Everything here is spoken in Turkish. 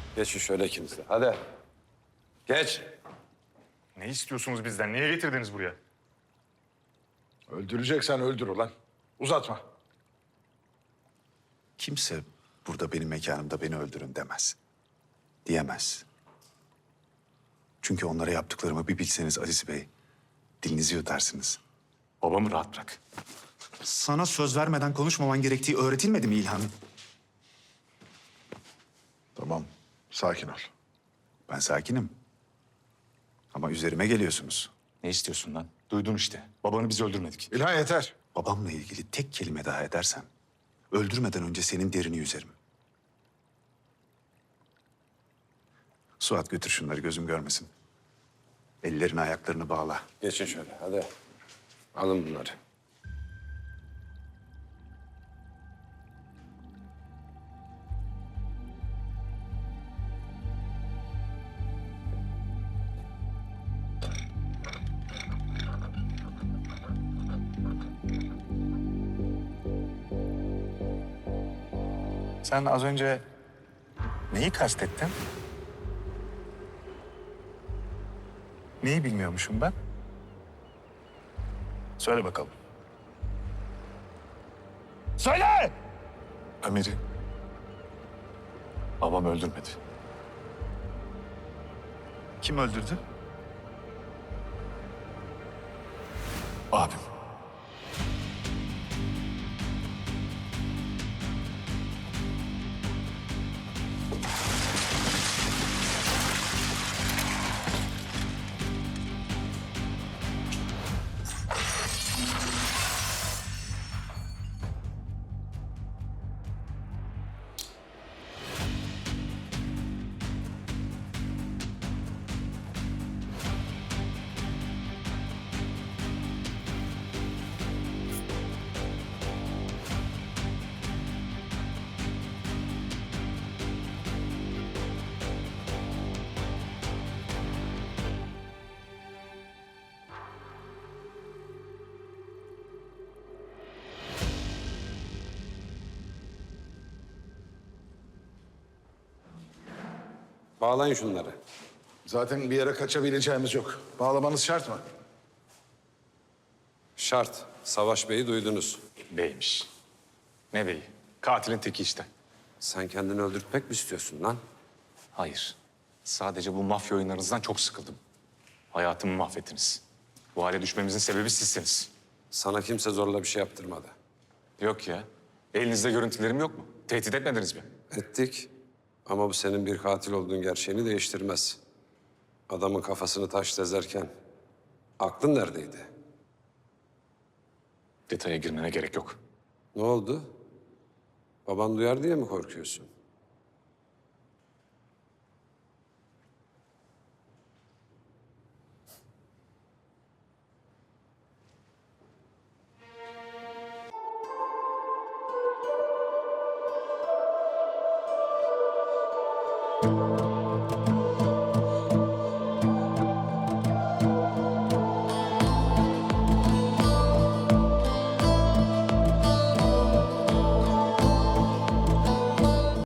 Geçin şöyle ikiniz de. Hadi. Geç. Ne istiyorsunuz bizden? Niye getirdiniz buraya? Öldüreceksen öldür ulan. Uzatma. Kimse burada benim mekanımda beni öldürün demez. Diyemez. Çünkü onlara yaptıklarımı bir bilseniz Aziz Bey, dilinizi yutarsınız. Babamı rahat bırak. Sana söz vermeden konuşmaman gerektiği öğretilmedi mi İlhan? Tamam, sakin ol. Ben sakinim. Ama üzerime geliyorsunuz. Ne istiyorsun lan? Duydun işte. Babanı biz öldürmedik. İlhan yeter. Babamla ilgili tek kelime daha edersen, öldürmeden önce senin derini yüzerim. Suat götür şunları, gözüm görmesin. Ellerini ayaklarını bağla. Geçin şöyle. Hadi. Alın bunları. Sen az önce neyi kastettin? Neyi bilmiyormuşum ben? Söyle bakalım. Söyle! Ömer'i babam öldürmedi. Kim öldürdü? Abim. Bağlayın şunları. Zaten bir yere kaçabileceğimiz yok. Bağlamanız şart mı? Şart. Savaş Bey'i duydunuz. Beymiş. Ne beyi? Katilin teki işte. Sen kendini öldürtmek mi istiyorsun lan? Hayır. Sadece bu mafya oyunlarınızdan çok sıkıldım. Hayatımı mahvettiniz. Bu hale düşmemizin sebebi sizsiniz. Sana kimse zorla bir şey yaptırmadı. Yok ya. Elinizde görüntülerim yok mu? Tehdit etmediniz mi? Ettik. Ama bu senin bir katil olduğun gerçeğini değiştirmez. Adamın kafasını taş dezerken aklın neredeydi? Detaya girmene gerek yok. Ne oldu? Baban duyar diye mi korkuyorsun?